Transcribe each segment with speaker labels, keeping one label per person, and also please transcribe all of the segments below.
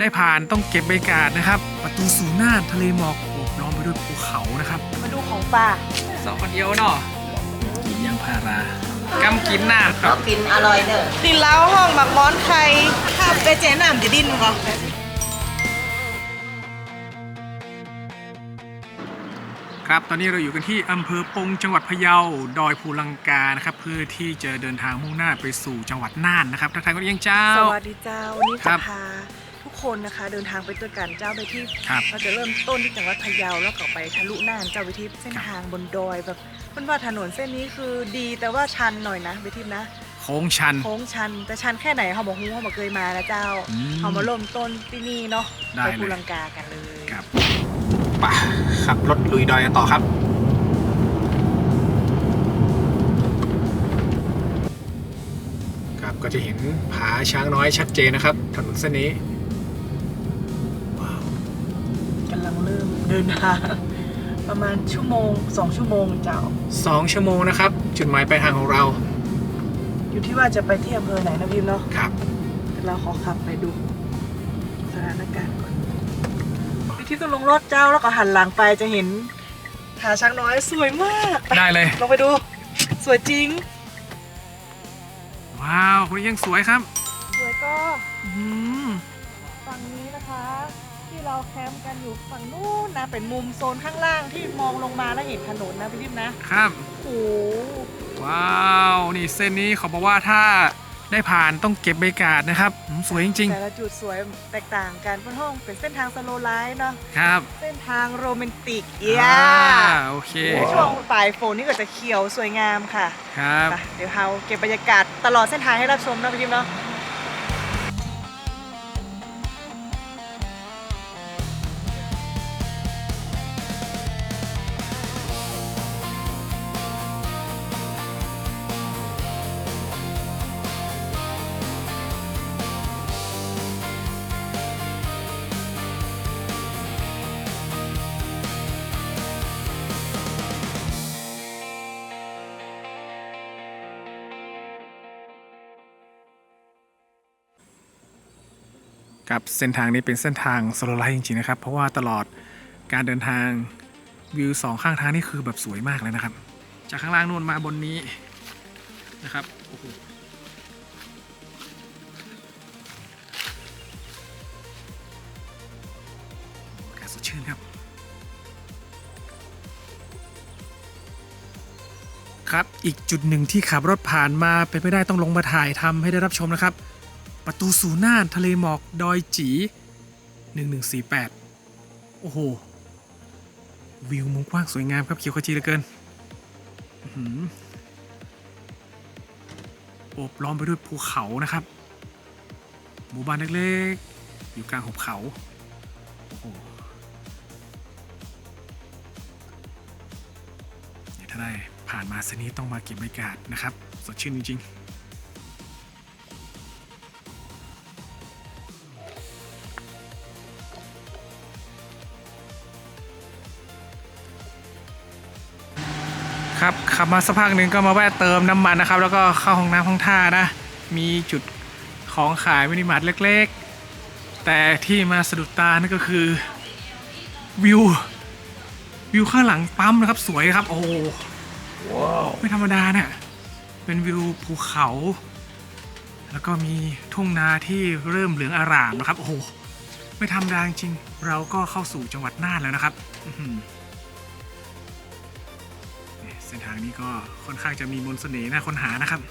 Speaker 1: ได้ผ่านต้องเก็บบรรยากาศนะครับประตูสู่น่านทะเลหมอกโอบล้อมไปด้วยภูเขานะครับ
Speaker 2: มาดูของป่า
Speaker 1: สองคนเดียวเนาะกินยางพารากำกินน่านครับ
Speaker 2: กินอร่อยเนอะดินเล้าห้องหมักม้อนไข่ข้าวไปเจ๊น้ำจะดิ้นมั้ง
Speaker 1: ครับตอนนี้เราอยู่กันที่อำเภอปงจังหวัดพะเยาดอยภูลังกานะครับเพื่อที่จะเดินทางมุ่งหน้าไปสู่จังหวัดน่านนะครับทักทายกันยังเจ้า
Speaker 2: สวัสดีเจ้าวันนี้จะพาทุกคนนะคะเดินทางไปด้วยกันเจ้าไปที่เราจะเริ่มต้นที่จังหวัดพะเยาแล้วก็ไปทะลุน่านเจ้าไปที่เส้นทางบนดอยแบบมันว่าถนนเส้นนี้คือดีแต่ว่าชันหน่อยนะไปที่นะ
Speaker 1: โค้งชัน
Speaker 2: แต่ชันแค่ไหนเขาบอกฮู้เขาบอกเคยมานะเจ้าเขามาเริ่มต้นที่นี่เนาะไปภูลังกากันเลย
Speaker 1: ครับป่ะขับรถลุยดอยกันต่อครับครับก็จะเห็นผาช้างน้อยชัดเจนนะครับถนนเส้นนี้
Speaker 2: ว้าวกำลังเริ่มเดินทางประมาณชั่วโมง2 ชั่วโมงเจ้า
Speaker 1: 2 ชั่วโมงนะครับจุดหมายปลายทางของเรา
Speaker 2: อยู่ที่ว่าจะไปที่อำเภอไหนนะพิมเนาะ
Speaker 1: ครับ
Speaker 2: เราขอขับไปดูสถานการณ์ก่อนที่ต้องลงรถเจ้าแล้วก็หันหลังไปจะเห็นผาช้างน้อยสวยมาก
Speaker 1: ได้เลย
Speaker 2: ลงไปดูสวยจริง
Speaker 1: ว้าวคนยังสวยครับ
Speaker 2: สวยก็ฝั่งนี้นะคะที่เราแคมป์กันอยู่ฝั่งนู้นนะเป็นมุมโซนข้างล่างที่มองลงมาแล้วเห็นถนนนะพี่ทิพย์นะครับโอ้
Speaker 1: ว้าวนี่เส้นนี้เขาบอกว่าถ้าได้ผ่านต้องเก็บบรรยากาศนะครับสวยจริงๆ
Speaker 2: แต่ละจุดสวยแตกต่างกันเพราะห้องเป็นเส้นทางสโลว์ไลฟ์เนาะ
Speaker 1: ครับ
Speaker 2: เส้นทางโรแมนติก
Speaker 1: โอเค
Speaker 2: ช่วงปลายฝนนี่ก็จะเขียวสวยงามค่ะ
Speaker 1: ครับ
Speaker 2: เดี๋ยวเราเก็บบรรยากาศตลอดเส้นทางให้รับชมนะพี่ทิพย์เนาะ
Speaker 1: ครับเส้นทางนี้เป็นเส้นทางสโลว์ไลฟ์จริงๆนะครับเพราะว่าตลอดการเดินทางวิว2ข้างทางนี่คือแบบสวยมากเลยนะครับจากข้างล่างนู่นมาบนนี้นะครับโอ้โหอากาศสดชื่นครับครับอีกจุดหนึ่งที่ขับรถผ่านมาเป็นไม่ได้ต้องลงมาถ่ายทำให้ได้รับชมนะครับประตูสู่น่านทะเลหมอกดอยจี1148โอ้โหวิวมุมกว้างสวยงามครับเขียวขจีเหลือเกินโอบล้อมไปด้วยภูเขานะครับหมู่บ้านเล็กๆอยู่กลางหุบเขาโอ้โหถ้าได้ผ่านมาเส้นนี้ต้องมาเก็บบรรยากาศนะครับสดชื่นจริงๆครับขับมาสักพักหนึ่งก็มาแวะเติมน้ำมันนะครับแล้วก็เข้าห้องน้ำห้องท่านะมีจุดของขายมินิมาร์ทเล็กๆแต่ที่มาสะดุดตานั่นก็คือวิวข้างหลังปั๊มนะครับสวยครับโอ้โหไม่ธรรมดาเนี่ยเป็นวิวภูเขาแล้วก็มีทุ่งนาที่เริ่มเหลืองอร่ามนะครับโอ้โหไม่ธรรมดาจริงเราก็เข้าสู่จังหวัดน่านแล้วนะครับเส้นทางนี้ก็ค่อนข้างจะมีมนต์เสน่ห์น่าค้นหานะครับ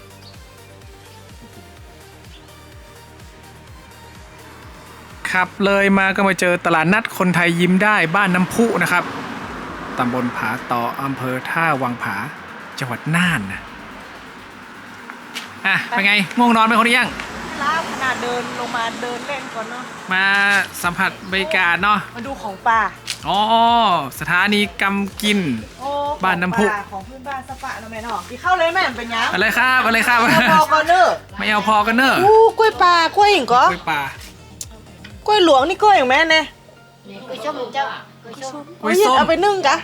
Speaker 1: ขับเลยมาก็มาเจอตลาดนัดคนไทยยิ้มได้บ้านน้ำพุนะครับตำบลผาต่ออำเภอท่าวังผาจังหวัดน่านนะเป็นไงง่วงนอนไหมคนนี้ยัง
Speaker 2: ล้าขนาดเดินลงมาเดินเล่นก่อนเนาะ
Speaker 1: มาสัมผัสบรรยากาศเนาะ
Speaker 2: มาดูของป่า
Speaker 1: อ๋อสถานีกำกินบ้านน้ำพุ
Speaker 2: ของพื้นบ้านสปะนะแม่เนาะกี่เข้าเลยแม่เป็นยัง
Speaker 1: อะไรครับไม่
Speaker 2: เอาพอกันเนอะ
Speaker 1: ไม่เอาพอกันเนอะ
Speaker 2: กล้วยป่ากล้วยหิ่งก็
Speaker 1: กล้วยป่
Speaker 2: ากล้วยหลวงนี่กล้วยอย่างแม่เนี่ย
Speaker 3: กล้วยส้มเจ้าก
Speaker 2: ล้วยส้มเอาไปนึ่งกะ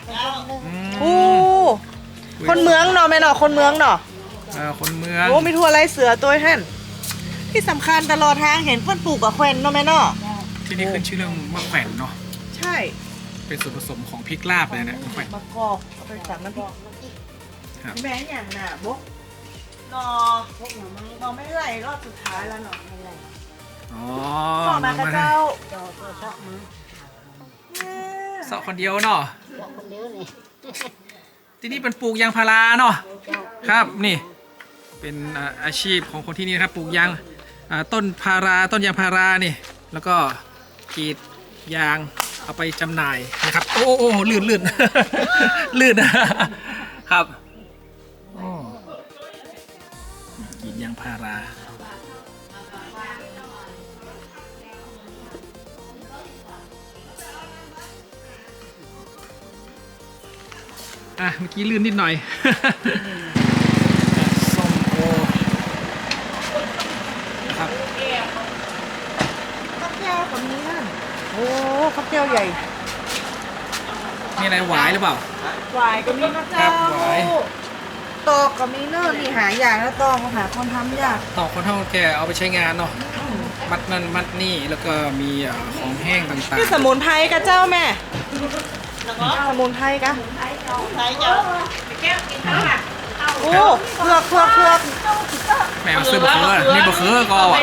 Speaker 2: คนเมืองเนาะแม่เนาะคนเมืองเนาะ
Speaker 1: คนเมือง
Speaker 2: โอ้มีทั่วไรเสือตัวแห่นที่สำคัญตลอดทางเห็นเพื่อนปลูกกับแควนเนาะแม่เนาะ
Speaker 1: ที่นี่ขึ้นชื่อเรื่องมะแขวนเนาะ
Speaker 2: ใช่
Speaker 1: เป็นส่วนผสมของพริกลาบเลยนะมะแขวน
Speaker 2: มะกอกเอาไปสั่งน้ำพริก
Speaker 1: ครับ
Speaker 2: แม่อย่างน่ะบกนอ
Speaker 3: พวกหน่อไม้
Speaker 2: นอไม่ไหลรอบสุดท้ายแล้วเนาะ
Speaker 3: อะไร
Speaker 1: อ๋อ
Speaker 2: ต่อมากระเจ้า
Speaker 3: จอตัวชอบมา
Speaker 1: เสาะคนเดียวเนาะ
Speaker 3: ชอบคนเดียวนี่
Speaker 1: ที่นี่เป็นปลูกยางพาราเนาะ
Speaker 3: เจ้า
Speaker 1: ครับนี่เป็นอาชีพของคนที่นี่นะครับปลูกยางต้นพาราต้นยางพารานี่แล้วก็กรีดยางเอาไปจำหน่ายนะครับโอ้โอ้ลื่นลื่น ลื่นนะครับโอ้กรีดยางพาราเมื่อกี้ลื่นนิดหน่อย ส้มโอนะครับ
Speaker 2: ข้าวแก้วกับนี้นั่นโอ้ข้าวแก้วใหญ่
Speaker 1: มีอะไรหวายหรือเปล่า
Speaker 2: หวายก็มีนะ
Speaker 1: ครั
Speaker 2: เจ้า
Speaker 1: บหวาย
Speaker 2: ตอกก็มีเนอะนี่หาอย่างแล้วตอกหาคนทำยาก
Speaker 1: ต่อคนเท่าแก่เอาไปใช้งานเนาะมัดนั่นมัดนี่แล้วก็มีของแห้งต่าง
Speaker 2: นี่สมุนไพรกับเจ้าแม่สมุนไพรกะโอ้เผือก
Speaker 1: ๆแมวซื้อบะเขือนี่บะเขือก็อ่ะ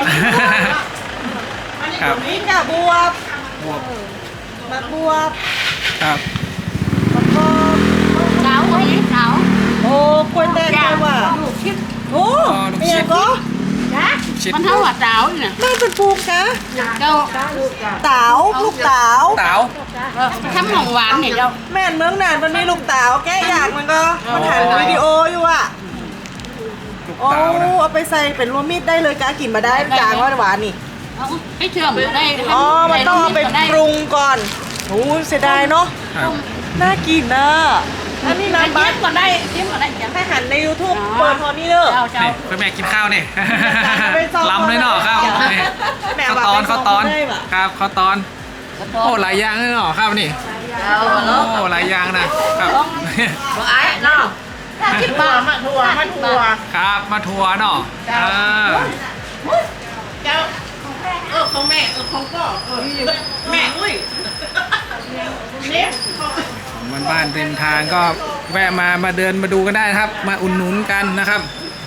Speaker 1: ครับ
Speaker 2: นี่กะบวบ
Speaker 1: บวบ
Speaker 2: มะบวบ
Speaker 1: ครับ
Speaker 2: มะกอก
Speaker 3: เจ้าไอ้เจ้า
Speaker 2: โอ้กล้วยแดงเลยว่ะโอ้เป็นยังก็
Speaker 3: จ้ะ
Speaker 1: ชิด
Speaker 3: มันเท่าว่าเจ้าเนี่ย
Speaker 2: แม่เป็นปลูกนะ
Speaker 3: เจ้า
Speaker 2: เต๋าลูกเต๋า
Speaker 1: เต๋า
Speaker 3: ทำของหวานเนี่ยเจ้า
Speaker 2: แม่นเมืองนานมันมีลูกเต๋าแก้อยากมันก็มันถ่ายวิดีโออยู่อ่ะ
Speaker 1: ลูก
Speaker 2: โอ้
Speaker 1: เต๋านะ
Speaker 2: เอาไปใส่เป็นรวมมิตรได้เลยกะกินมาได้จางหวานนี่
Speaker 3: เอาให้เชื่อมได้
Speaker 2: อ๋อ มันต้องเอาไปปรุงก่อนโอ้เสียดายเนาะ
Speaker 1: ครับ
Speaker 2: น่ากินนะอันนี้
Speaker 3: ได้
Speaker 2: น้ำบั
Speaker 3: เย็
Speaker 2: ต
Speaker 3: บก่อนได้เย็บก่อนได้จ้ะ
Speaker 2: ให้หันใน YouTube เปิดพอนี่เนอะ
Speaker 3: เจ้าเจ้า
Speaker 1: นี่คุณแม่กินข้าวนี่
Speaker 2: ไปซ้อม
Speaker 1: ล้ำเลยเนาะครับนี่
Speaker 2: แม่
Speaker 1: ข้าว
Speaker 2: ว่า
Speaker 1: ตอน
Speaker 2: ไปซ้
Speaker 1: ข้า
Speaker 2: อ
Speaker 1: ว
Speaker 2: ม
Speaker 1: ตอน
Speaker 2: ได้ปะ
Speaker 1: ครับข้าวตอนโอ้หลายอย่างเลยเนาะครับนี่
Speaker 3: เจ้า
Speaker 1: โอ้หลายอย่างนะครับ
Speaker 3: ไอ้เนาะคิดบ้ามาทัวร์
Speaker 1: ครับมาทัวร์เนาะเออ
Speaker 3: เจ้าของแม่ของพ่อแม่อุ้ยเนี่ย
Speaker 1: ของบ้านๆเต็มทางก็แวะมาเดินมาดูกันได้นะครับ มาอุ่นหนุนกันนะครับ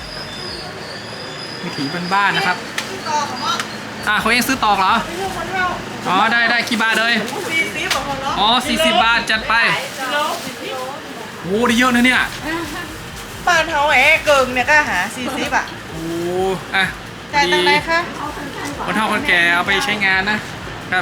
Speaker 1: วิถีบ้านๆนะครับเขาเองซื้อตอกเหรออ๋อได้กี่บาทเลย
Speaker 2: 40ของเราเนาะ
Speaker 1: อ๋อ40 บาทจัดไปโอ้ได้เยอะนะเนี่ย
Speaker 2: บ้านเฮาเกิงเนี่ยก็หา40อ่ะ
Speaker 1: โอ้อ่ะ
Speaker 2: จ่ายตังค์ไหนคะ
Speaker 1: คนเฒ่าคนแก่เอาไปใช้งานนะครับ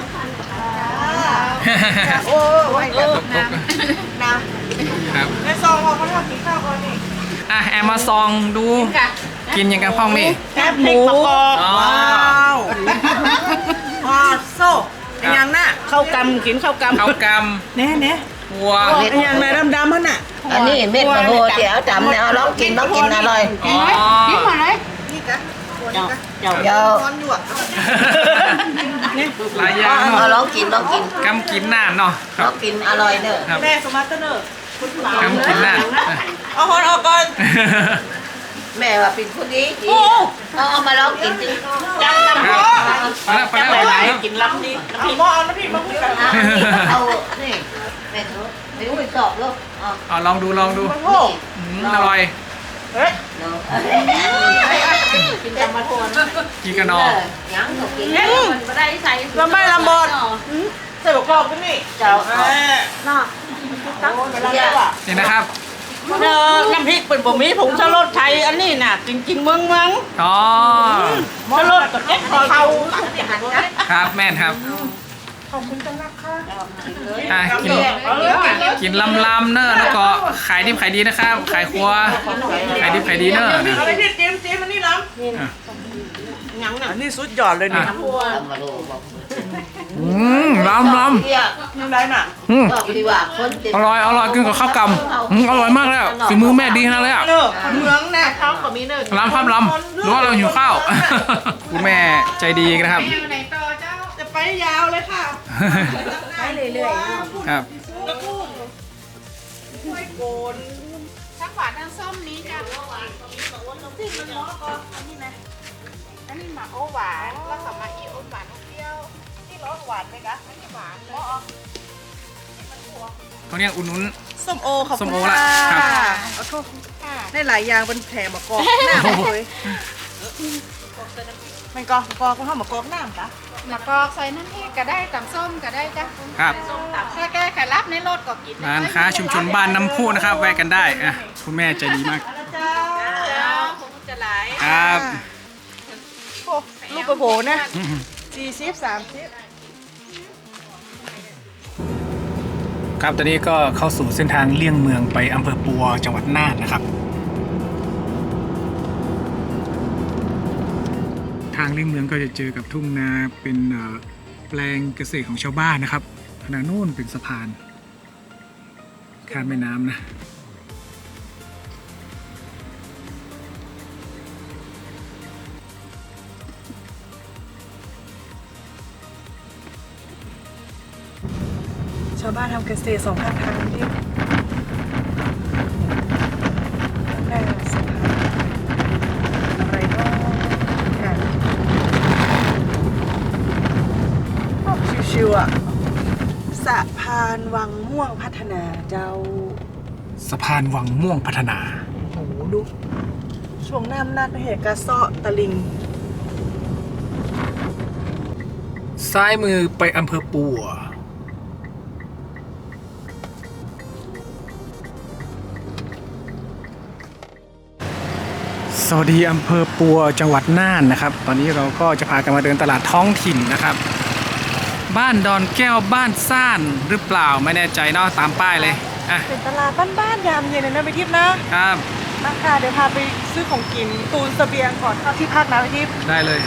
Speaker 2: โอ้ย
Speaker 1: ตก
Speaker 2: นะครับ ในซองเราเขาทำกินข้าวก่อนนี่
Speaker 1: แอมมาซองดูกินอย่างกันพ่องนี่
Speaker 2: แคบหมู
Speaker 1: อ๋อ
Speaker 2: ว้าวว้าวโซ่ไอ้ยังน่ะ
Speaker 3: เข้ากำกินเข้ากำ
Speaker 1: ข้าวก
Speaker 2: เน่เน่
Speaker 1: ำวัว
Speaker 2: ไอ้ยังน่ะดำๆมันน่ะ
Speaker 4: อันนี้เม็ดมะโหเดี๋ยวจำเนี่ยเอาลองกินอร่อย
Speaker 3: กินไหมกินมาเลย
Speaker 2: นี่กะตัว
Speaker 3: เจ้า
Speaker 2: นี้กะ
Speaker 3: เจ้า
Speaker 4: เดี๋ยว
Speaker 2: ร้อนอยู่อ่ะ
Speaker 1: หลายอย่าง
Speaker 4: เอา
Speaker 1: เนาะ
Speaker 4: ลองกิน
Speaker 1: กำกินน่านเนาะค
Speaker 4: ล
Speaker 1: รั
Speaker 4: อบ งกินอร่อยเนอะ
Speaker 1: ครับ
Speaker 2: แม่สมัตเตอร์เนอร์
Speaker 1: กำกินน่าน
Speaker 2: เอาฮอนออกก่อน
Speaker 4: แม่ว่าเป็นคนดี
Speaker 2: โอ้
Speaker 4: เอามาลองกินดิ
Speaker 2: จัง
Speaker 1: ครับไปแล้วครับ
Speaker 3: กินล้ำดี
Speaker 2: พี่หม้อเอาน้ำพริกมาพูดกัน
Speaker 4: เอานี่แม่ทุกไม่รู้ไปสอบลูกอ๋อ
Speaker 1: เอาลองดู
Speaker 2: มันโง่
Speaker 1: อร่อย
Speaker 2: เฮ้ย
Speaker 4: เนาะ
Speaker 3: กินจำมาทัวร์
Speaker 1: กินกันนอ
Speaker 4: ยังก็กิน
Speaker 3: มันไม่ได้ใส่
Speaker 2: ลำไม้ลำบอดใส่บกรอบกันนี่
Speaker 4: เจ้า
Speaker 2: น่ะตั้งเวลาแล้วอ่ะ
Speaker 1: นี่นะครับ
Speaker 3: น้ำพริกเป็นบะหมี่ผงชะรสไทยอันนี้น่ะจริงๆเมือง
Speaker 1: อ๋อ
Speaker 3: ชะรสกับเก็บเขา
Speaker 1: ครับแม่นครับ
Speaker 2: ขอบคุณจังนะคะ
Speaker 1: กินลำเนอะแล้วก็ขายดิบขายดีนะครับ ขายครัวขายดิบขายดีเนอะนะ
Speaker 2: อะไรพี่จิ้มอันนี้ล้
Speaker 1: อ่ะ
Speaker 3: ยังน่ะ
Speaker 2: ำอันนี้สุดยอดเลยนี่
Speaker 1: อ่ะ
Speaker 4: ทำมาลูกบอก
Speaker 1: ลำ
Speaker 4: เที่ย
Speaker 2: ยังได้น่ะ
Speaker 4: บอกดีว่าคนเต็ม
Speaker 1: อร่อยกินกับข้าวกำอร่อยมากเลยอ่ะฝีมือแม่ดีขนาดเลยอ่ะ
Speaker 2: เนอะเมืองน่ะ
Speaker 3: เขาก็มีเนื้อ
Speaker 1: ลำครับลำหรือว่าเราหิวข้าว คุณแม่ใจดีนะครับ
Speaker 2: จะไปยาวเลยค่ะ
Speaker 3: ไปเรื่อยๆ
Speaker 1: ครับ
Speaker 2: แล้วก็กล้วยโกน
Speaker 3: ทั้งหวานทั้งส้มนี้จ้ะ
Speaker 2: ที่มันล้อก็อันนี้นะ
Speaker 3: อันนี้หมาโอหวานแล้วก็มาอีโอหวานเปรี้ยวที่
Speaker 2: หวานไหมคะหวานเลย
Speaker 1: เขาเนี่ยอุ่นนุ้น
Speaker 2: ส้มโอขอบ
Speaker 1: ส้
Speaker 2: คุ
Speaker 1: ม
Speaker 2: ณ
Speaker 1: โอละ
Speaker 2: ค่ะ
Speaker 1: ครับ
Speaker 2: เอาโทษได้หลายอย่างเป็นแผลมะกอกหน้าเลยมันกอกคุณพ่อมะกอกหน้าคะ
Speaker 3: มะกอกใส่น้ำพริกก็ได้ตำส้มก็ได้จ้ะ
Speaker 1: ครับ
Speaker 3: ถ้าแกไข่รับในรถก็กิน
Speaker 1: ร้านค้าชุมชนบ้านน้ำพุนะครับ แวะกันได้อ่ะคุณแม่ใจดีมาก
Speaker 2: เจ้า
Speaker 3: คงจะหลาย
Speaker 1: ครับ
Speaker 2: โอ้ลูกกระโผนะ40-30
Speaker 1: ครับตอนนี้ก็เข้าสู่เส้นทางเลี่ยงเมืองไปอำเภอปัวจังหวัดน่านนะครับ ทางเลี่ยงเมืองก็จะเจอกับทุ่งนาเป็นแปลงเกษตรของชาวบ้านนะครับขณะโน้นเป็นสะพานข้ามแม่น้ำนะ
Speaker 2: ชาวบ้านทำเกษตร2 ข้างทางที่แม่สะพานอะไรก็ค่ะโอ้ชิวๆอ่ะสะพานวังม่วงพัฒนาเจ้า
Speaker 1: สะพานวังม่วงพัฒนา
Speaker 2: โอ้โหดูช่วงน้ำนัดเหตุกระเซาะตะลิง
Speaker 1: ซ้ายมือไปอำเภอปัวสวัสดีอำเภอปัวจังหวัดน่านนะครับ ตอนนี้เราก็จะพากันมาเดินตลาดท้องถิ่นนะครับ บ้านดอนแก้วบ้านซ่านหรือเปล่าไม่แน่ใจเนาะตามป้ายเลยอ่ะ
Speaker 2: เป็นตลาดบ้านๆยามเย็นเลยนะไปทิพย์นะครับ มาค่ะเดี๋ยวพาไปซื้อของกินตูนเสบียงก่อนเข้าที่พักนะไปทิพย์
Speaker 1: ได้เลย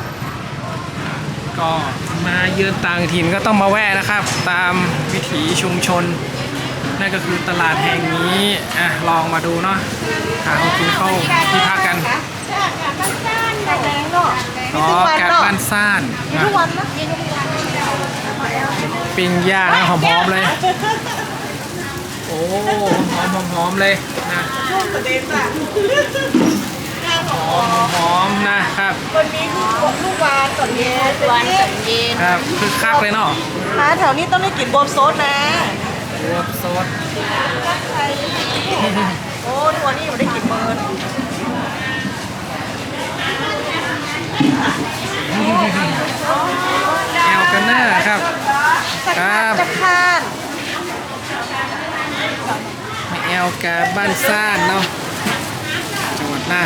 Speaker 1: ก็มาเยือนต่างถิ่นก็ต้องมาแวะนะครับ ตามวิถีชุมชน นั่นก็คือตลาดแห่งนี้อ่ะลองมาดูเนาะหาของกินเข้าที่พักกัน
Speaker 2: แดงเนาะมี
Speaker 1: อ๋อ
Speaker 2: ทุกวัน
Speaker 1: แกะ
Speaker 2: เนาะ
Speaker 1: บ้านซ่าน
Speaker 2: มี
Speaker 1: นะ
Speaker 2: ทุกวันนะ
Speaker 1: ปิ้งย่างนะหอมๆเลย โอ้หอมๆเลยนะ
Speaker 2: ช่วงประเด็นอะ
Speaker 1: หอมนะครับ
Speaker 2: วันนี้คือลูกวานก่อนเย็น
Speaker 3: วันสันเย็น
Speaker 1: ครับคือคักเลยเนาะ
Speaker 2: ร้านแถวนี้ต้องได้กินบวบโซดนะ
Speaker 1: รวบซด
Speaker 2: โอ้ทัวร์นี่มันได้กินเมิน
Speaker 1: แอลกันเนอร์ครับ ครับ
Speaker 2: จะคาน
Speaker 1: มาแอลกาบ้านซ่านเนาะจังหวัดน่าน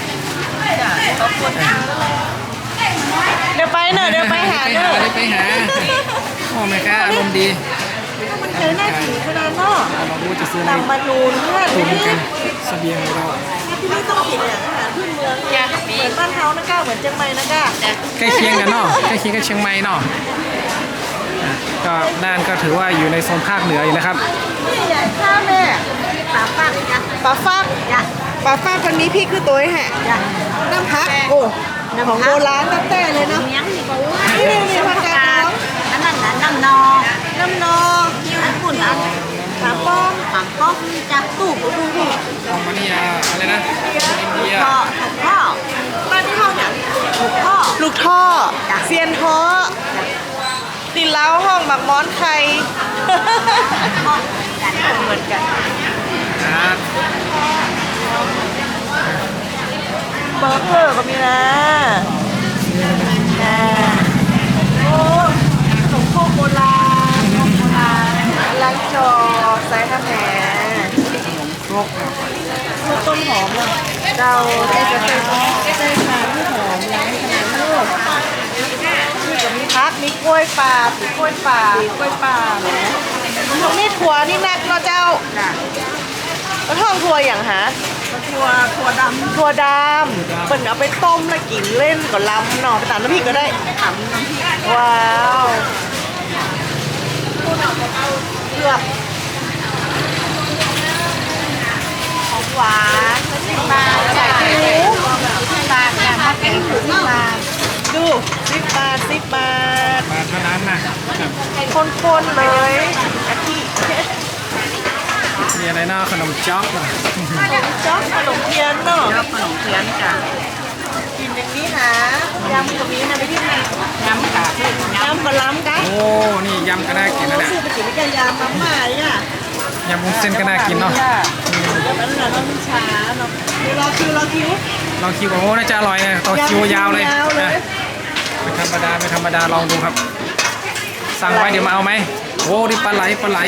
Speaker 2: เดี๋ยวไปเนอะเดี๋ยวไปหาเนอะ
Speaker 1: ไปหาโอ้แม่ค้าอารมณ์ดี
Speaker 2: มันเคยน่าถือขนาดเนาะ
Speaker 1: เรารู้จะซื้ออะไร
Speaker 2: ตำบะนูนเพื่อน
Speaker 1: ตุน
Speaker 2: ที่
Speaker 1: กันเสบียงเรา
Speaker 2: นี่ต้องกินอย่างอาหารพื้นเมืองเหมือนบ้านเฮานะก้าเหมือนเชียงใหม่นะก้า
Speaker 1: ใกล้เคียงกันเนาะใกล้เคียงกับเชียงใหม่เนาะอ่ะก็น่านก็ถือว่าอยู่ในโซนภาคเหนืออยู่นะครับ
Speaker 2: นี่ใหญ่ข้าวแม่ปลาฟักปลาฟักปลาฟักคนนี้พี่คือตัวแห่น้ำพักโอ้ของโบราณตั้งแต่เลยเนาะ
Speaker 3: เมียงนี่ก็ว่า
Speaker 2: นี่ผักกาด
Speaker 3: อันนั้นน่ะน้ำนอ
Speaker 2: น้ำนอ
Speaker 3: อันปุ่นอัน
Speaker 2: ปลาป้อม
Speaker 3: ปังป๊อกจับตู้กูดูพี่
Speaker 1: ของมันนี่อะไรนะอินเดีย
Speaker 3: พ่อถูกพ่อ
Speaker 2: บ้านที่ห้องเนี่ย
Speaker 3: ถูกพ่อ
Speaker 2: ลูกท่อเซียนท้อตินเล้าห้องบักม้อนไข่เหมือนกัน
Speaker 1: ครับ
Speaker 2: เบอร์เกอร์ก็มีนะโอ้ขนมโคกโบราณล้างจอใส่ข้าวแหน
Speaker 1: ครก
Speaker 2: ลูกต้นหอมเลยเราได้จะใส่ทานที่หอมล้างขนาดลูกนี่ก็มีพักมีกล้วยป่าปีกล้วยป่าเนาะตรงนี้ถั่วนี่นักเนาะเจ้าแล้วทองถั่วอย่างหาถั่วดำเปิ่นเอาไปต้มแล้วกินเล่นก็ล้ำเนาะไปตามน้ำพริกก็ได้ทำน้ำพริกว้าวเลือกของหวาน10 บาทใส่หมู10 บาทเนี่ยมาเป็น10 บาทดู10 บาท10 บาท
Speaker 1: มาเท่านั้นนะ
Speaker 2: คนๆเลยกะทิ
Speaker 1: มีอะไรเนาะขนมจ๊อกเหรอ
Speaker 2: จ๊อกขนมเทียนเนาะ
Speaker 3: แล้วขนมเทียนจ้ะ
Speaker 2: มกินอย่างนี้หายำกับนี้นะไปที่ไหน
Speaker 3: น้ำค่ะ
Speaker 2: ยำกับล้ำกัน
Speaker 1: โอ้นี่ยำก็น่ากินนะเนี่ย
Speaker 2: ซื้อไปกินด้วยกันยำมาม่าเนี่ย
Speaker 1: ยำวุ้นเส้นก็น่ากินเนาะ
Speaker 2: แล้วมันเราต้องช้าเนาะเดี๋ยวรอคิว
Speaker 1: ลองคิวโอ้น่าจะอร่อยนะต่อคิวยาวเลย
Speaker 2: ยาวเลย
Speaker 1: นะไม่ธรรมดาไม่ธรรมดาลองดูครับ สั่งไว้เดี๋ยวมาเอาไหมโอ้นี่ปลาไหล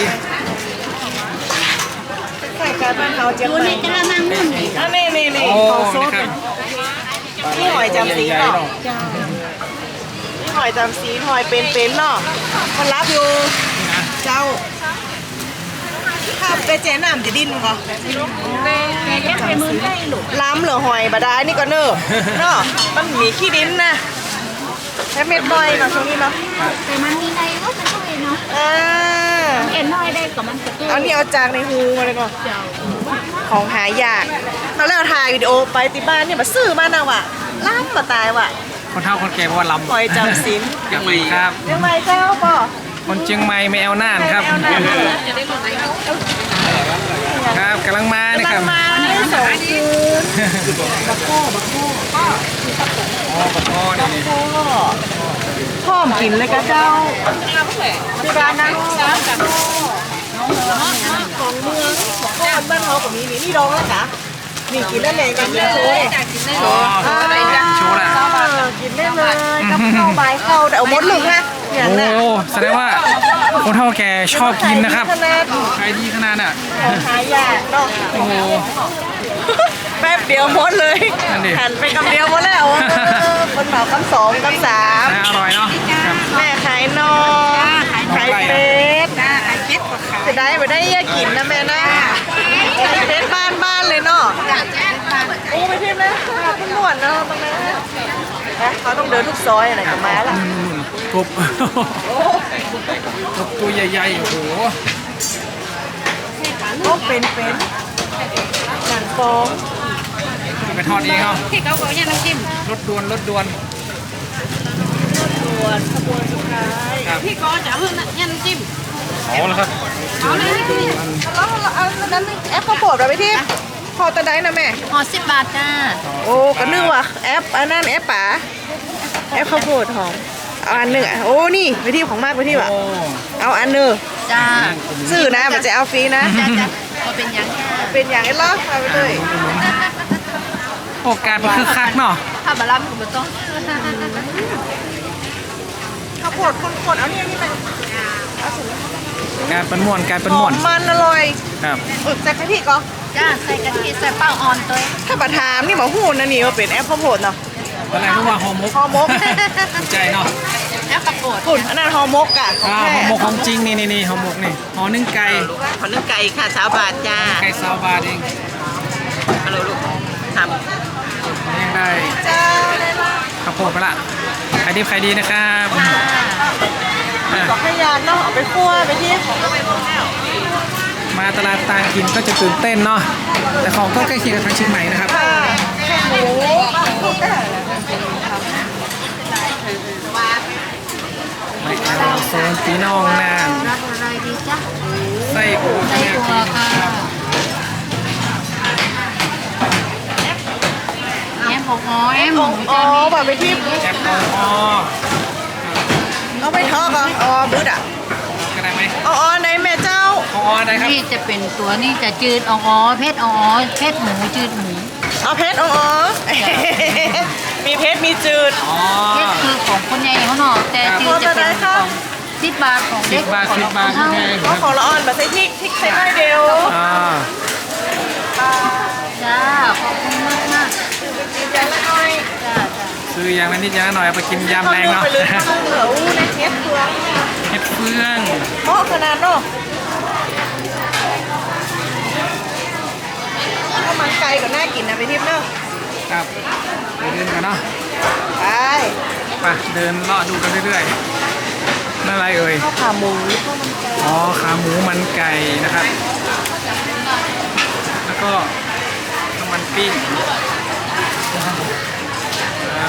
Speaker 2: ใส่การบ้านเราเจียง
Speaker 3: ดู
Speaker 2: ให
Speaker 3: ใน
Speaker 2: ม่
Speaker 3: กระมังนู่นนี่
Speaker 2: อ่ะนี่
Speaker 1: โอ้
Speaker 2: ของโซ
Speaker 1: นี่
Speaker 2: ด
Speaker 1: ครับ
Speaker 2: นี่หอยจำสี
Speaker 1: ใหญ่
Speaker 2: เนาะ
Speaker 1: ๆเนาะ
Speaker 2: นี่หอยจำสีหอยเป็นเนาะมันรับอยู่
Speaker 1: นี่นะ
Speaker 2: เจ้าถ้าไปเจ๊น้ำจะดิ้นมั้ง
Speaker 3: ไปมือได้หลุด
Speaker 2: ล้ำเหลือหอยบาดานี่ก็เนอะเนาะมันมีขี้ดินนะแค่เม็ดน้อยเนาะช่วงนี้เนาะ
Speaker 3: แต่มันมีในก็มันก็เองเนาะ
Speaker 2: อ่า
Speaker 3: เอ็นน้อยได้กับมันกระตุ้น
Speaker 2: เอานี่เอาจากในหูมาเลยก่อน
Speaker 3: เจ้า
Speaker 2: ของหายากเขาแล้วถ่ายวิดีโอไปที่บ้านเนี่ยมาซื้อมานะว่ะล้ำมาตายว่ะ
Speaker 1: คนเฒ่าคนแก่บอกว่าลำ
Speaker 2: หอยจำศีล
Speaker 1: ครับครับ
Speaker 2: เดี๋ยวไม่เจ้าป่ะ
Speaker 1: คนเชียงใหม่ไม่เอาน่านครับ ครับกำลังมานี่ครับ
Speaker 2: กำลังมาได้สองคืน
Speaker 1: อ๋อปลาพ่อนี่
Speaker 2: พ่อมกินเลยกะเจ้าที่บ้านนะของเมืองของก้อนบ้านเขาแบบนี้นี่ดองแล้วกะนี่กินได้เลยกันเลย
Speaker 1: อ๋อโชว์แหละ
Speaker 2: กินได้เลยกับข้าวใบข้าวแต่เอาหมดเลยนะอย่าง
Speaker 1: โอ้
Speaker 2: น่ะ
Speaker 1: แสดงว่าคนเฒ่าแก่ชอบกินนะครับ
Speaker 2: ขนาด
Speaker 1: ขายดีขนาดน่ะ
Speaker 2: ของหายากเนาะ
Speaker 1: โอ้โห
Speaker 2: แป๊บเดียวหมดเลย
Speaker 1: นั่นดิ
Speaker 2: หันไปคำเดียวหมดแล้วคนเหมาคำสองคำสาม
Speaker 1: น่าอร่อยเนาะครับ
Speaker 2: แม่ขายนอขายเป็ดจะได้ไม่ได้แยกกินนะแม่นะเป็ดบ้านเลยเนาะโอ้ไปทิมนะคุณหนวดเนาะตรงนั้นนะเขาต้องเดินทุกซอยอะไรกับม้าล่ะ
Speaker 1: กบกบตัวใหญ่ๆโอ้โห
Speaker 2: ก็เป็นหนังฟอง
Speaker 1: ไปทอดเองเนาะ
Speaker 3: ที่เขาบอกเนี่ยน้ำจิ้ม
Speaker 1: รถด่วนรถด่วน
Speaker 2: ส่วนขบวนสุดท้าย
Speaker 1: ครับ
Speaker 3: พี่ก็จะเอาเนี่ยน้ำจิ้ม
Speaker 1: เอาแล้วครับ
Speaker 3: เอาเลย
Speaker 2: แล้วเอานั้นแอปข้าวโพดเราไปที่พอตะไดนะแม่
Speaker 3: ห่อ10 บาทจ้า
Speaker 2: โอ้ก็นึกว่าแอปอันนั้นแอปป๋าแอปข้าวโพดหอมเอาอันหนึ่งอ่ะโอ้นี่ไปที่ของมากไปที่ว่ะ
Speaker 1: โอ้
Speaker 2: เอาอันหนึ่ง
Speaker 3: จ้า
Speaker 2: ซื้อนะมันจะเอาฟรีนะ
Speaker 3: จ้าก็เป็นยังจ้า
Speaker 2: เป็นอย่างไอ้ล้อเอาไปเลย
Speaker 1: โอกาสมันคือคักเนาะ
Speaker 3: ถ้าบะลัมก็ไม่ต้อง
Speaker 2: ข้าวโพดคนๆเอานี่ไป
Speaker 1: การเป็นม่วนการเป็น
Speaker 2: ห
Speaker 1: ม่
Speaker 2: อ
Speaker 1: วน
Speaker 2: มมันอร่อย
Speaker 1: ครับ
Speaker 2: ใส่กะทิก่อน
Speaker 3: จ้าใส่กะทิใส่เป้าอ่อนตัว
Speaker 2: ถ้าประทามนี่หมอหูนะนี่ว่าเป็นแอปข้าวโพดเนาะ
Speaker 1: อะไรรู้ว่าหอมมก
Speaker 2: ฮอหมก
Speaker 1: ใจเนาะ
Speaker 3: แล้วกระโปด
Speaker 2: ฝุ่นอันนั้นฮอหมกอ่ะของ
Speaker 1: อ่า
Speaker 2: แท้
Speaker 1: หอมมกของจริงนี่หอมมกนี่หอนึ่งไก่
Speaker 2: ขอนึ่งไก่ค่ะ3 บาทจ้า
Speaker 1: ไก่ซาวบาทเอง
Speaker 2: ฮัลโหลลูกท
Speaker 1: ยังได้
Speaker 2: ำจ้าเลยล่ะ
Speaker 1: ข้าวโพดไปละขายดีขายดีนะครับอ่ะ
Speaker 2: บอกให้ยานเนาะเอาไปคั่วไปที่
Speaker 1: มาตลาดต่างถิ่นก็จะตื่นเต้นเนาะแต่ของก็ใกล้เคียงกับทางเชียงใหม่นะครับ
Speaker 2: ค่ะแค่หมู
Speaker 1: ไม่เอาโซนปีน้องนาน
Speaker 3: รับอะไรดีจ้า
Speaker 1: ไส้อั่ว
Speaker 3: ใส่ตัวค่ะแอมของอ๋อแอมหมู
Speaker 2: อ๋อ
Speaker 3: จ้า
Speaker 2: แบบไปที่
Speaker 1: แอปเปิลอ๋อ
Speaker 2: เอาไปทอดเหรออ๋อบึ้ดอ่ะ
Speaker 1: ก็ได้ไหม
Speaker 2: อ๋อในแม่เจ้า
Speaker 1: อ๋อได้ครับ
Speaker 3: นี่จะเป็นตัวนี่จะจืดอ๋อเพชรอ๋อเพชรหมูจืดหมู
Speaker 2: เอาเพชรอ๋อมีเพชรมีจืด
Speaker 1: อ๋อ
Speaker 3: เพชรคือของคนใหญ่เขาเนาะแต่จืดจะเป็นของ10 บาทของเด็ก
Speaker 1: 10 บาท
Speaker 3: ของ
Speaker 1: 10 บาท
Speaker 3: เท่า
Speaker 1: แพงค
Speaker 2: ก็
Speaker 1: รับ
Speaker 2: ของละอ่อนแบบใส่พริกใส่น้อยเดียว
Speaker 1: อ่า
Speaker 3: จ้าขอบคุณมากมาก
Speaker 2: อย่างละน้อย
Speaker 3: จ้า
Speaker 1: ซื้ออย่างละนิดอย่างละหน่อยเอาไปกินยำแรงเนาะ
Speaker 2: ไปเลยข้าวเหนียวในเทสเฟือง
Speaker 1: เห็ดเฟือง
Speaker 2: เพราะขนาดเนาะข้าวมันไก่ก็น่ากินนะไปทิพย์เนาะ
Speaker 1: ครับไปเดินกันเนาะ
Speaker 2: ไป
Speaker 1: ไปเดินเลาะดูกันเรื่อยๆนั่นอะไรเอ่ย
Speaker 2: ข้าวขาหมูข้าวมันไก่
Speaker 1: อ๋อขาหมูมันไก่นะครับ แล้วก็น้ำมันปิ้งครับ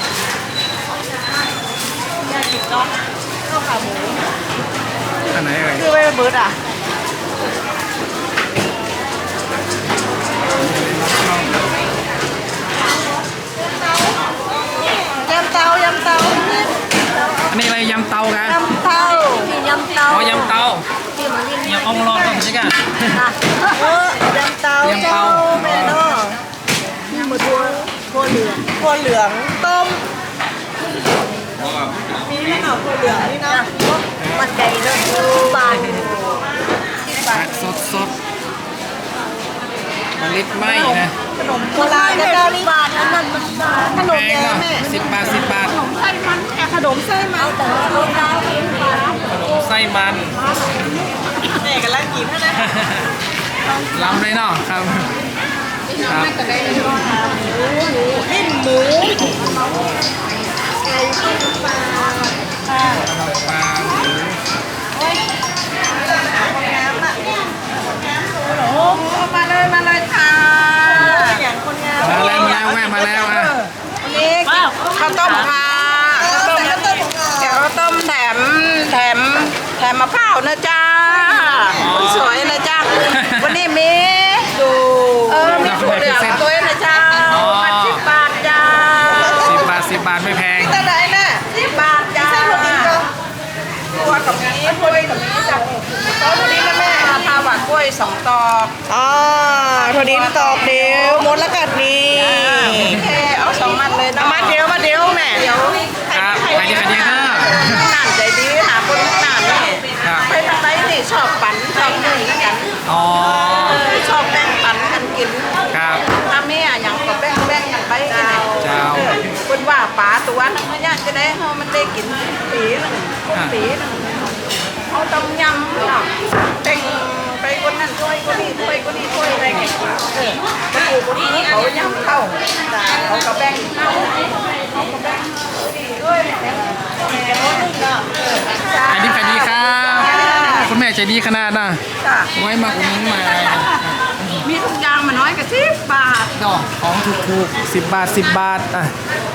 Speaker 2: น่ากินเนาะข้าวขาหมู
Speaker 1: อันไหนเอ่ย
Speaker 2: คือไม่เบิร์ดอ่ะำเตา
Speaker 1: อันนี้อะไรยำเตากัน
Speaker 2: ยำเตา
Speaker 4: มียำเตา
Speaker 1: อ๋อยำเตา
Speaker 4: ที่มันมี
Speaker 1: ยำอ่องรอก่อนสิกัน
Speaker 2: ยำเตาย
Speaker 1: ำ
Speaker 2: เจ้า
Speaker 1: เตา
Speaker 2: แม่เนาะ
Speaker 4: ที่มันทั่วเหลือง
Speaker 2: ถั่วเหลืองต้มมีไหมเนาะถั่วเหลืองนี่เนาะ
Speaker 4: มันไก่เนาะบาน
Speaker 1: ผักสดมะลิไหมนะ
Speaker 2: ขนมโบราณนะเจ้านี่
Speaker 4: บานนั้นมันบาน
Speaker 2: ขนม
Speaker 1: แพง
Speaker 2: แดง
Speaker 1: เนาะ
Speaker 2: แม่
Speaker 1: 10 บาท 10 บาท
Speaker 2: ไส้มันแค่ขนมไส้มัน
Speaker 4: แต่เราดาวเองบาน
Speaker 1: ขนมไส้มัน
Speaker 2: แม่กันแล้วกินเท่านั้น
Speaker 1: ล้ำเลยเนาะครับครับ
Speaker 2: ลิ้นหมู
Speaker 1: ปลาหมู
Speaker 2: โอ้มาเลยค่ะอย่างคนงาม
Speaker 1: มาแล้วแม่มาแล้วอ่ะ
Speaker 2: นี่ข้าวต้มค่ะข้าวต้มเดี๋ยวข้าวต้มแถมมะพร้าวนะจ้าคนสวยนะจ้าวันนี้มีดูมีถั่วเหลืองด้วยนะจ้ามัน10 บาทจ้า
Speaker 1: 10 บาท 10 บาทไม่แพง
Speaker 2: ตะไดน่ะ10 บาทจ้าตัวกับนี้ถ้วยกับนี้จ้ะเอาตัวนี้นะแม่พาหวานกล้วย2 ตอกถั่วดินตอกเดียวมดแล้วกัดนี่เอา2 มัดเลยนะมัดเดียวแม่เดี๋ยว
Speaker 1: ครับไปดีค่ะ
Speaker 2: หนานใจดีหาคนหนานนี่
Speaker 1: ครับ
Speaker 2: ไปทางไหนนี่ชอบปั่นชอบนึ่งกัน
Speaker 1: อ๋อ
Speaker 2: ชอบแบ่งปันกันกิน
Speaker 1: ครับ
Speaker 2: ถ้าแม่อย่างก็แบ่งกันไปกันไหน
Speaker 1: เจ้า
Speaker 2: คนว่าป๋าตัวนึงมันยากจะได้เฮามันได้กินปีนึงปีนึงเอาต้มยำเนาะแต่งไปคนนั้นถ้วยคนนี้ถ้วยคนนี้ถ้วยอะไรกันมาอยู่คนนี้เขายำเข้าเขาก็แบ่งเข้าเขาก็แบ่งด้วยแบ่งกันหมดเนาะ
Speaker 1: อันนี้ดีครับคุณแม่ใจดีขนาดน่ะ
Speaker 2: จ้ะ
Speaker 1: ไว้มาอุ่นนมา
Speaker 2: มีทุกอย่างมาน้อยกับ10 บาท
Speaker 1: ดอกของถูกๆ10 บาท 10 บาทอ่ะ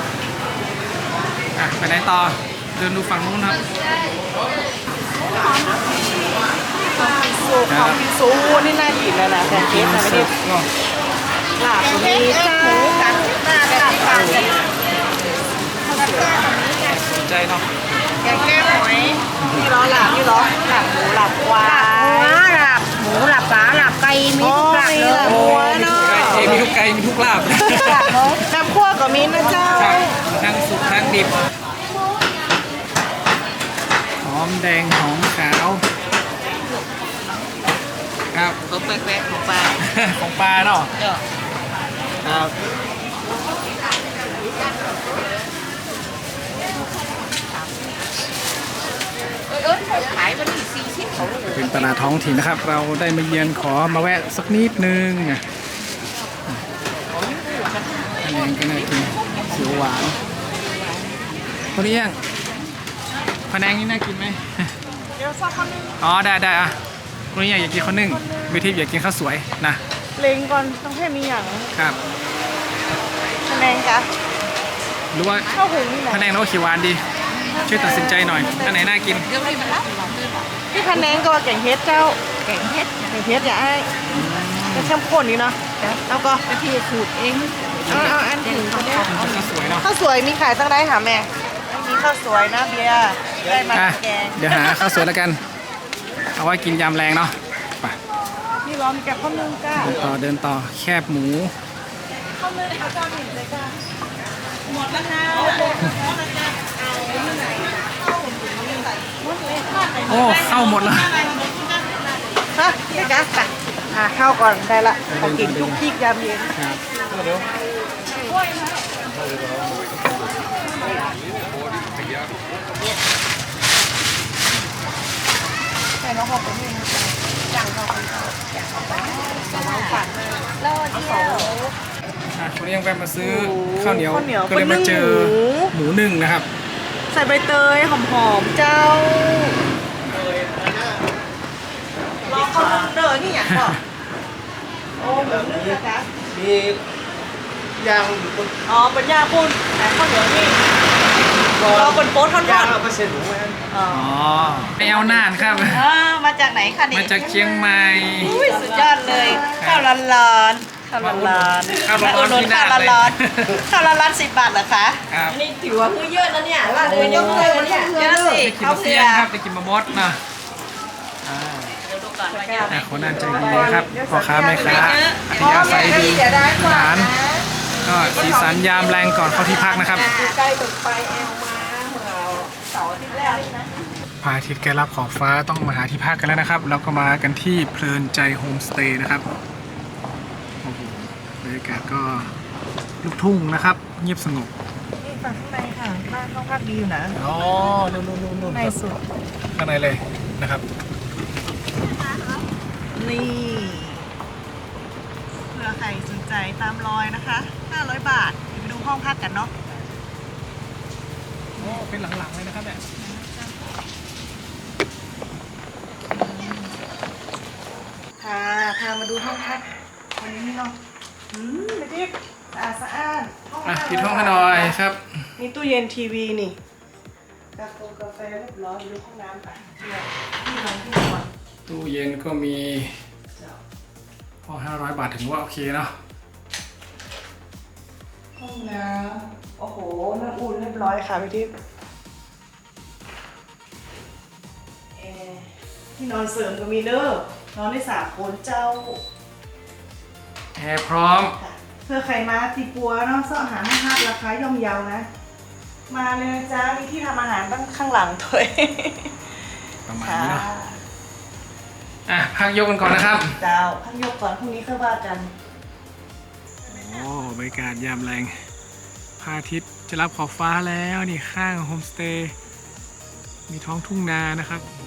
Speaker 1: ไปไหนต่อเดินดูฝั่งนู้นครับ
Speaker 2: ของพิซูนี่น่ากินแล้วนะแต่เค้กนะไม่ได้
Speaker 1: เนาะ
Speaker 2: ลาบมีหมูกันหน้ากันปลากัน
Speaker 1: สนใจเนาะ
Speaker 2: แกงแก้หอยนี่ล้อหลาบนี่ล้อหลาบหมูหลาบควาย
Speaker 4: หลับหมูหลับปลาหลับไก่มีทุกหลับเลย
Speaker 2: หัวเนาะ
Speaker 1: มีทุกไก่มีทุกลาบ
Speaker 2: น้ำคั่วก็มีนะเจ้า
Speaker 1: ครับทั้งสุกทั้งดิบหอมแดงหอมขาวครับ
Speaker 3: เขาแปลกๆของปลา
Speaker 1: ของปลาเนาะครับ
Speaker 3: ขายวันที่40เขา
Speaker 1: เป็นตลาดท้องถิ่นนะครับ เราได้มาเยือนขอมาแวะสักนิดนึงอ่ะอันนี้ก็น่ากินเขียวหวานคนนี้ยังพะแนงนี่น่ากินไหม
Speaker 2: เดี๋ยวสักคำนึง
Speaker 1: อ๋อได้อ่ะคนนี้อยากกินข้าวนึ่งวิธีอยากกินข้าวสวยนะ
Speaker 2: เล็งก่อนต้องให้มีอย่าง
Speaker 1: ครับ
Speaker 2: คะแนนกะ
Speaker 1: หรือว่า
Speaker 2: ข้าวหุงนี่แหละ
Speaker 1: พะแนงแล้วก็เขียวหวานดีช่วยตัดสินใจหน่อยอันไหนน่ากิน
Speaker 3: เดี๋ยวนี้มันรับ
Speaker 2: พี่คะแนนก็แกงเฮ็ดเจ้า
Speaker 3: แกงเฮ็ด
Speaker 2: แกงเฮ็ดอย่าไอ้เป็นเข้มข้นนี่เนาะแล้วก็
Speaker 3: ไปที่ขูดเอง
Speaker 2: เอาอันถึงเขาเนี่ย
Speaker 1: ข้าวสวยเนาะ
Speaker 2: ข้าวสวยมีขายตั้งได้ค่ะแม่มีข้าวสวยนะเบียร์ได้มา
Speaker 1: อ่ะ
Speaker 2: แกง
Speaker 1: เดี๋ยวหาข้าวสวยแล้วกัน เอาไว้กินยำแรงเนาะไป
Speaker 2: นี่ร้อนแกงข้าวนึ่งจ้า
Speaker 1: เดินต่อแคบหมู
Speaker 2: ข้าวนึ่งเอาเจ้าหนึ่งเลยจ้าหมดแล้วนะ
Speaker 1: โอ้เข้าหมดแล้ว
Speaker 2: ฮะนี่จ้าไปหาข้าวก่อนได้ละของกินทุกที่ยามเย็น
Speaker 1: ครับคนนี้ยังแวะมาซื้อข้าวเหนียวก็เลยมาเจอหมูนึ่งนะครับ
Speaker 2: ใส่ใบเตยหอมๆเจ้ารอข้าวนึ่งเด้อนี่อย่างก่อนโอ้หมูนึ่งนะจ๊ะ
Speaker 5: มีย่าง
Speaker 2: อ๋อเป็นย่าปุ่นแต่ข้าวเหนียวนี่รอเป็นโป๊ตทอ
Speaker 5: ย่าง
Speaker 2: ด
Speaker 5: เอาไปเสร็จหมูไหม
Speaker 2: ๆอ๋อ
Speaker 1: อ๋อไปเอาน่านครับ
Speaker 2: มาจากไหนคะนี่
Speaker 1: มาจากเชียงใหม่
Speaker 2: อุ้ยสุดยอดเลย ข้าวร้อนๆข้าวร้อนๆ
Speaker 1: ข้าวร้อนๆ
Speaker 2: อุดหนุน
Speaker 1: ที่หน้า
Speaker 2: ข้าว
Speaker 1: เลย
Speaker 2: ร้อนๆข้าวร้อนๆ10 บาทเหรอคะ
Speaker 1: ครับ
Speaker 4: นี่ถือว่าคือเยอะนะเนี่ยว่าเลยยกเลยวันเนี่ย
Speaker 2: เยอะสิ
Speaker 1: ได้กิน
Speaker 2: เขา
Speaker 1: มะ
Speaker 2: เสื
Speaker 1: เฟีย
Speaker 2: อน
Speaker 1: ครับได้กินมะมดนะคนนั้นใจดีนะครับพ่อค้าแม่ค้าอัธยาศัยดีอาหารก็สีสันยามแรงก่อนเข้าที่พักนะครับ
Speaker 4: ใกล้ตึกไปแอลมาเมื่อเสาร์อาทิตย์แรกนี่นะ
Speaker 1: พระอาทิตย์ใกล้รับขอบฟ้าต้องมาหาที่พักกันแล้วนะครับ แล้วก็มากันที่เพลินใจโฮมสเตย์นะครับโอ้โหบรรยากาศก็ลูกทุ่งนะครับ เงียบสงบ
Speaker 2: นี่ฝั่งข้างในค่ะบ้านห้องพักดีอยู่นะ
Speaker 1: อ๋อนู่น
Speaker 2: ในสุด
Speaker 1: ข้างในเลยนะครับ
Speaker 2: นี่เผื่อใครสนใจตามรอยนะคะ500 บาทเดี๋ยวไปดูห้องพักกันเนาะ
Speaker 1: โอ้เป็นหลังๆเลยนะครับเนี่ย
Speaker 2: พามาดูห้องพักวันนี้เนาะไม่ทิพย์สะอาดห้อง
Speaker 1: อ่ะ
Speaker 2: น้ำ
Speaker 1: ปิดห้องให้หน่อยครับ
Speaker 2: มีตู้เย็นทีวีนี่กาแฟเรียบร้อยดูห้องน้ำไปที่นอนที่นอน
Speaker 1: ตู้เย็นก็มีพอ500 บาทถึงว่าโอเคเนาะ
Speaker 2: ห้องน้ำโอ้โหน้ำอุ่นเรียบร้อยค่ะพี่ทิพย์ที่นอนเสริมก็มีเด้อนอนได้3 คนเจ้า
Speaker 1: แอร์พร้อม
Speaker 2: ค่ะเพื่อใครมาตีปัวเนาะเสาะอาหารห้าราคาย่อมเยานะ มาเลยนะจ๊ะมีที่ทำอาหารตั้งข้างหลังด้วย
Speaker 1: ประมาณ
Speaker 2: ค่ะ
Speaker 1: นี้เนาะอ่ะพักยกกันก่อนนะครับ
Speaker 2: เจ้าพักยกก่อนพรุ่งนี้ค่อยว่ากัน
Speaker 1: โอ้บรรยากาศยามแรงพระอาทิตย์จะรับขอบฟ้าแล้วนี่ข้างโฮมสเตย์มีท้องทุ่งนานะครับโอ้